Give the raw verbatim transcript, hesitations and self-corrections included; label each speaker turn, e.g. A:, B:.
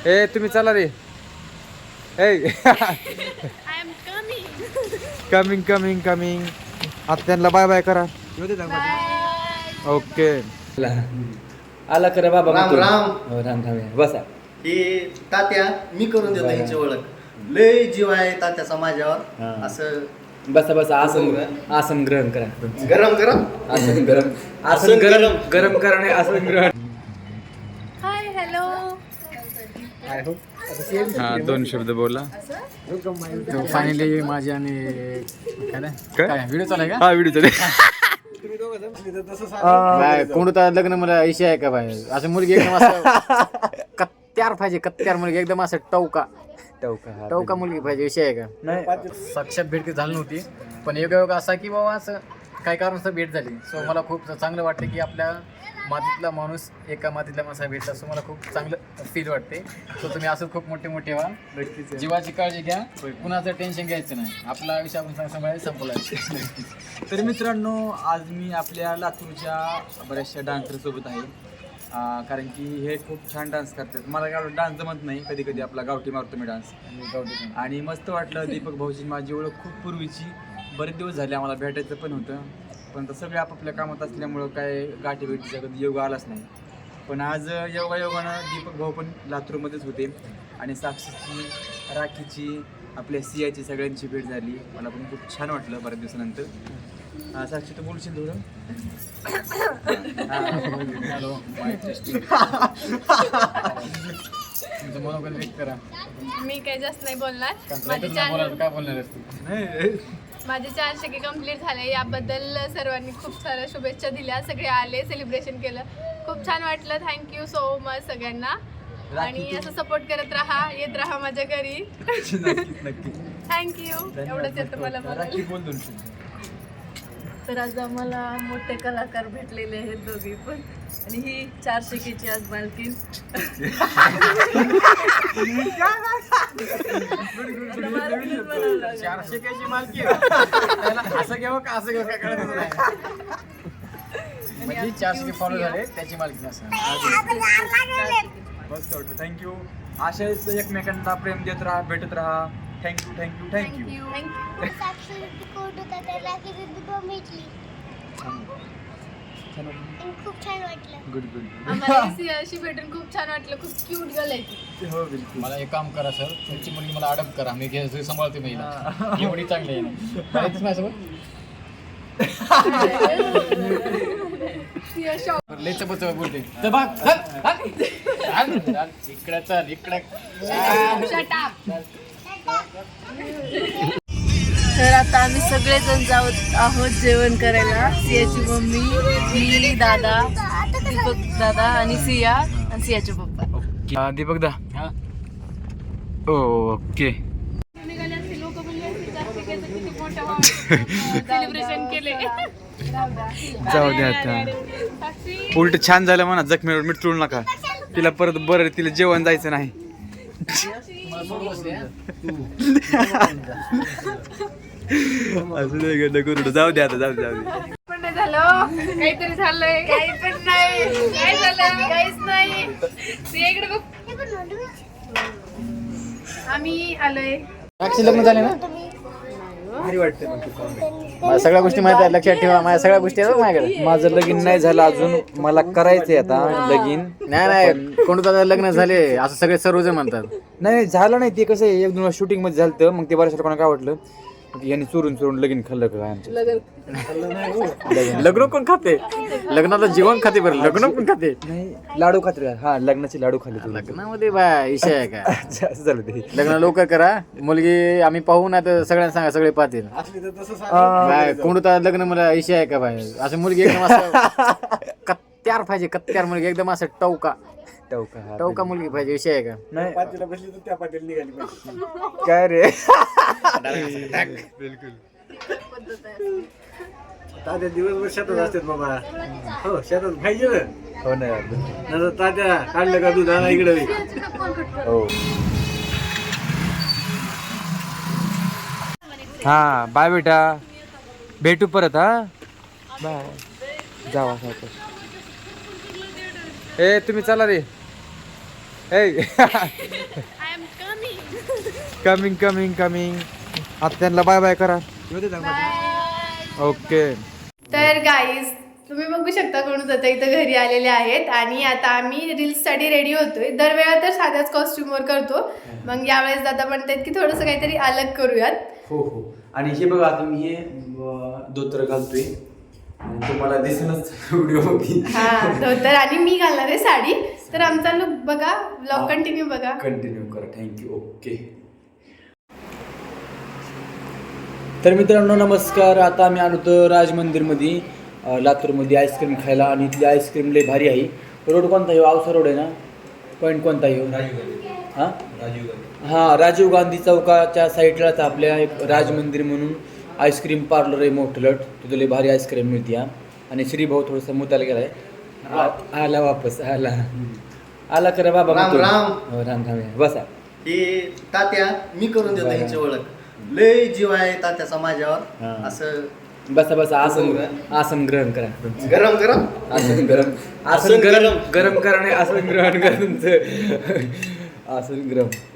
A: ए तुम्ही चला रे. ए कमिंग कमिंग कमिंग. आता त्यांना बाय बाय करा. ओके आला करा बाबा.
B: राम राम.
A: हो राम राम. बसा.
B: हे तात्या मी करून देतो यांची ओळख. लय जीव आहे तात्याचा माझ्यावर. असं
A: बसा बसा. आसन आसन ग्रहण करा.
B: गरम गरम
A: आसन गरम. आसन गरम गरम करा नाही आसन ग्रहण.
C: Hi hello.
A: हा दोन शब्द बोला.
D: फायनली माझी आणि काय व्हिडिओ चालू आहे का?
A: हा व्हिडिओ चालू.
D: कोणतं लग्न मला इशे आहे का भाई? असं मुलगी एकदम असं कत्त्यार पाहिजे. कत्त्यार मुलगी एकदम असं टवका
A: टवका
D: टवका मुलगी पाहिजे. विषय आहे का?
A: नाही
D: साक्षात भेट झाली नव्हती पण एक योग असा की बाबा असं काय कारणास्तव भेट झाली. सो मला खूप चांगलं वाटतं की आपल्या मातीतला माणूस एका मातीतला माणसा भेटला. असं मला खूप चांगलं फील वाटते. सो तुम्ही असं खूप मोठे मोठे व्हा. जीवाची काळजी घ्या. कुणाचं टेन्शन घ्यायचं नाही. आपला आयुष्य आपण सांभाळायला संपला.
A: तर मित्रांनो आज मी आपल्या लातूरच्या बऱ्याचशा डान्सरसोबत आहे. कारण की हे खूप छान डान्स करतात. मला काय डान्स जमत नाही. कधी कधी आपला गावठी मारतो मी डान्स. गावठी आणि मस्त वाटलं. दीपक भाऊची माझी ओळख खूप पूर्वीची. बरेच दिवस झाले आम्हाला भेटायचं पण होतं पण तर सगळे आपापल्या कामात असल्यामुळं काय गाठी भेटीचा कधी योग आलाच नाही. पण आज योगायोगानं दीपक भाऊ पण लातूरमध्येच होते आणि साक्षीची राखीची आपल्या सियाची सगळ्यांची भेट झाली. मला पण खूप छान वाटलं बऱ्याच दिवसानंतर. साक्षी तू बोलशील थोडं?
D: हॅलो तुमचं मनोगत व्यक्त करा.
C: मी काही जास्त नाही बोलणार. माझे
D: काय
C: चार
D: बोलणार काय बोलणार असते?
C: माझे चार टक्के कम्प्लीट झाले. याबद्दल सर्वांनी खूप साऱ्या शुभेच्छा दिल्या. सगळे आले सेलिब्रेशन केलं. खूप छान वाटलं. थँक्यू सो मच सगळ्यांना. आणि असं सपोर्ट करत राहा. येत राहा माझ्या घरी. थँक्यू. एवढंच येतं मला बोलायला.
E: तर आज आम्हाला मोठे कलाकार भेटलेले आहेत दोघी पण. आणि ही चार शिकेची आज मालकीन.
D: चारशे कायची मालकी असं घ्यावं का असं घ्यावं काय कळत नाही. म्हणजे चारशे फॉलो झाले त्याची मालकी असं.
A: मस्त वाटतं. थँक्यू. अशाच एकमेकांना प्रेम देत राहा. भेटत राहा. Thank you thank you thank you.
F: खूप छान वाटलं.
A: Good good.
C: आम्हाला सियाशी भेटून खूप छान वाटलं. खूप क्यूट गर्ल आहे ती.
A: हो बिलकुल.
D: मला एक काम करा सर. तुमची मुलगी मला अडप करा. मी घे सांभाळते महिला. एवढी चांगली आहे ना. माझ्यासोबत
C: सिया शॉप.
D: लय चपच बोलते. तर बघ इकडं चल इकडं.
C: Shut up.
E: तर आता आम्ही सगळेजण जात आहोत जेवण करायला. सियाची मम्मी, मी, दादा, दीपक दादा आणि सिया आणि सियाचे पप्पा.
A: दीपक दा. ओके.
C: सेलिब्रेशन केले.
A: जाऊ द्या आता. उलट छान झालं म्हणा. जखमीवर मीठ चोळू नका. तिला परत बरं तिला जेवण जायचं नाही. असं नाही गड्डा करू. जाऊ द्या आता. जाऊ दे जाऊ दे.
C: पण नाही झालं. काहीतरी झालंय. काही पण नाही. काय झालं? काहीच नाही. सिया इकडे बघ. आम्ही आलोय.
D: लग्न झाले ना?
A: भारी वाटतं.
D: मला सगळ्या गोष्टी माहिती आहेत. लक्षात ठेवा. माझ्या सगळ्या गोष्टी आहेत माझ्याकडे.
A: माझं लगीन नाही झालं अजून. मला करायचंय आता लगीन.
D: नाही नाही कोणतं लग्न झाले असं सगळे सर्वजण म्हणतात.
A: नाही झालं नाही. ते कसं आहे एक दोन शूटिंग मध्ये झालं तर मग ते बऱ्याच लोकांना काय वाटलं की यांनी चोरून चोरून लगीन खाल्लं का आमचं.
D: लग्न कोण खाते? लग्नाला जीवन खाते बरं. लग्न कोण खाते?
A: नाही लाडू खाते. हा लग्नाचे लाडू खाल्ले तुम्ही.
D: लग्नामध्ये बा विषय आहे का?
A: असं झालं ते.
D: लग्न लवकर करा. मुलगी आम्ही पाहू ना तर सगळ्यांना सांगा. सगळे पाहतील. कोणतं लग्न मला विषय आहे का भाई? असं मुलगी एकदम असं कत्त्यार पाहिजे. कत्त्यार मुलगी एकदम असं टवका
A: टवका
D: टवका मुलगी पाहिजे. विषय आहे का?
A: नाही काय रे. बिलकुल.
B: तात्या दिवसभर शेतात असतात बाबा. हो शेतात पाहिजे ना.
A: हो नाही
B: नंतर तात्या काढलं का दूध आणा इकडे.
A: हो. हा बाय बेटा. भेटू परत. हा बाय. जावा. ए तुम्ही चला रे.
C: I am coming.
A: Coming coming coming आता त्यांना बाय बाय करा. ओके.
C: तर गाईज तुम्ही बघू शकता कोण आता इथं घरी आलेले आहेत आणि आता आम्ही रील्ससाठी रेडी होतोय. दरवेळा तर साध्याच कॉस्ट्युमवर करतो, मग यावेळेस दादा म्हणतात की थोडंसं काहीतरी अलग करूयात.
A: हो हो. आणि हे बघा आता मी हे अं, धोतर घालतोय आणि तुम्हाला दिसेलच व्हिडिओ मध्ये.
C: हा धोतर आणि मी घालणार आहे साडी. तर आमचा लुक बघा, ब्लॉग कंटिन्यू बघा.
A: कंटिन्यू करा. थँक्यू. ओके. तर मित्रांनो नमस्कार. आता आम्ही आलो होतो राज मंदिरमध्ये लातूरमध्ये आईस्क्रीम खायला आणि इथली आईस्क्रीम लई भारी आहे. रोड कोणता आहे? आवसा रोड आहे ना? पॉईंट कोणता आहे? हां हां राजीव गांधी चौकाच्या साईडलाच आपल्या एक राज मंदिर म्हणून आईस्क्रीम पार्लर आहे मोठं लट. तिथं लई भारी आईस्क्रीम मिळते. हां आणि श्रीभाऊ थोडंसं मुताला गेला आहे. आला वापस आला आला करा बाबा.
B: राम राम.
A: हो राम राम. बसा.
B: हे तात्या मी करून देतो ह्यांची ओळख. लय जीव आहे तात्याचा माझ्यावर.
A: हा.
B: असं
A: बसा बसा. आसन आसन ग्रहण करा.
B: गरम गरम
A: आसन गरम आसन गरम गरम करा नाही. आसन ग्रहण करा तुमचं. आसन गरम.